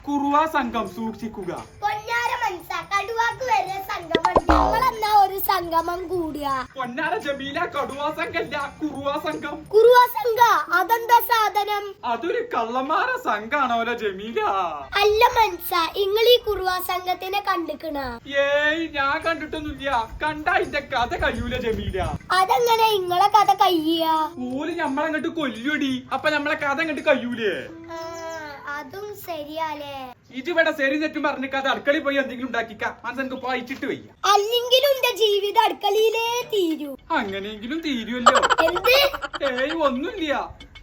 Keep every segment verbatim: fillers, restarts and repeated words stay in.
കുറുവാ സംഘം സൂക്ഷിക്കുക. പൊന്നാര മനസ്സാ കടുവാക്ക് വരെ സംഗമം ഞങ്ങളെന്നാ ഒരു സംഗമം കൂടുക. പൊന്നാര ജമീല കടുവാ സംഘല്ല കുറുവാ സംഘം. കുറുവാ സംഘ അതെന്താ സാധനം? അതൊരു കള്ളന്മാര സംഘാണോല ജമീല. അല്ല മനസ്സാ നിങ്ങൾ ഈ കുറുവാ സംഘത്തിനെ കണ്ടിക്കണ? ഏയ് ഞാൻ കണ്ടിട്ടൊന്നുമില്ല. കണ്ട അതിന്റെ കഥ കഴിയൂല ജമീല. അതെങ്ങനെ ഇങ്ങളെ കഥ കയ്യ? ഓല് ഞമ്മളങ്ങോട്ട് കൊല്ലൂടി. അപ്പൊ നമ്മളെ കഥ അങ്ങോട്ട് കഴിയൂലേ? അതും ശരിയാലേ. ഇജിവിടെ ശരി തെറ്റും പറഞ്ഞ കഥ അടുക്കളയിൽ പോയി എന്തെങ്കിലും ഉണ്ടാക്കിക്ക. മനസ്സെനിക്ക് വായിച്ചിട്ട് വയ്യ. അല്ലെങ്കിലും എന്റെ ജീവിതം അടുക്കളയിലേ തീരൂ. അങ്ങനെയെങ്കിലും തീരുമല്ലോ. എന്ത്? ഏയ് ഒന്നുമില്ല.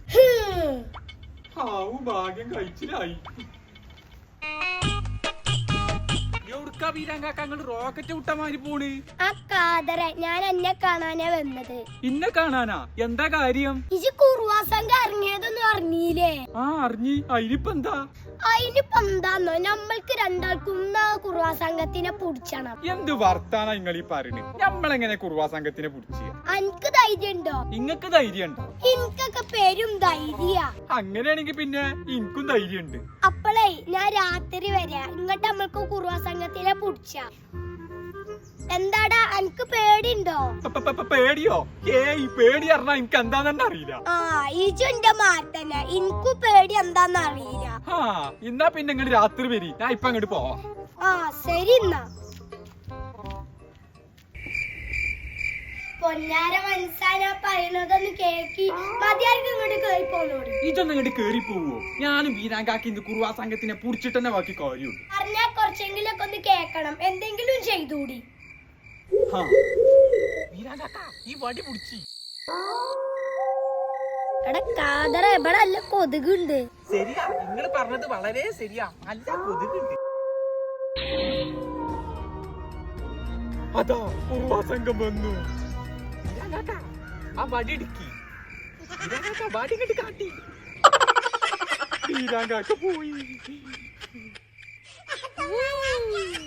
ആവു ഭാഗ്യം കഴിച്ചിലായി. റോക്കറ്റ് വിട്ടമാരി പോണ്. ആ കാതറ ഞാൻ എന്നെ കാണാനാ വന്നത്. ഇന്നെ കാണാനാ? എന്താ കാര്യം? ഇജ് കുറുവാ സംഘം ഇറങ്ങിയതെന്ന് അറിഞ്ഞില്ലേ? ആ അറിഞ്ഞി. അതിനിപ്പോ എന്താ? അതിനിപ്പോ എന്താന്നോ നമ്മൾക്ക് രണ്ടാൾക്കും കുറുവാ സംഘത്തിനെ പുടിച്ചണം. എന്ത് വർത്താനാ നിങ്ങൾ ഈ പറയണ്? നമ്മളെങ്ങനെ കുറുവാ സംഘത്തിനെ പുടിച്ച്? അനക്ക് ധൈര്യം ഉണ്ടോ? ഇങ്ങക്ക് ധൈര്യം ഉണ്ടോ? എനിക്കൊക്കെ പേരും ധൈര്യ. അങ്ങനെയാണെങ്കി പിന്നെ എനിക്കും ധൈര്യം ഉണ്ട്. അപ്പളേ ഞാൻ രാത്രി വരാ. ഇങ്ങോട്ട് നമ്മൾക്ക് കുറുവാ സംഘത്തിനെ പുടിച്ച. എന്താടാ അനക്ക് പേടിണ്ടോ? പേടിയോ? ഏയ് പേടി അറിഞ്ഞാ എനിക്ക് എന്താന്നെ അറിയില്ല. ആ ഇജു എന്റെ മാറ്റന്നെ. എനിക്കു പേടി എന്താന്ന് അറിയില്ല. ആ എന്നാ പിന്നെ ഇങ്ങോട്ട് രാത്രി വരി. ഞാൻ ഇപ്പൊ അങ്ങോട്ട് പോവാ. ആ ശരി എന്നാ. പൊന്നാര മനസ്സാനാ പറയുന്നതൊന്ന് കേക്കി മതിയാർക്ക് ഇങ്ങോട്ട് കേറി പോന്നോടി. ഇതൊന്നും ഇങ്ങോട്ട് കേറി പോവോ? ഞാനും വീരാങ്കാക്കി ഇന്ന് കുറുവാ സംഘത്തിനെ പുടിച്ചിട്ട് തന്നെ ബാക്കി കാര്യമുള്ളൂ. പറഞ്ഞാ കുറച്ചെങ്കിലും ഒക്കെ ഒന്ന് കേക്കണം. എന്തെങ്കിലും ചെയ്തൂടി. ഈ വടി പിടിച്ചി. എടാ കാതറ എവിടെ അല്ല കൊതുകുണ്ട്. ശരിയാ, നിങ്ങൾ പറഞ്ഞത് വളരെ ശരിയാ. നല്ല കൊതുകുണ്ട്. അതാ കുറുവാ സംഘം വന്നു. ആ വടി ഇടുക്കി. വടി ഇങ്ങോട്ട് കാട്ടി. വീരാങ്കാക്ക പോയി.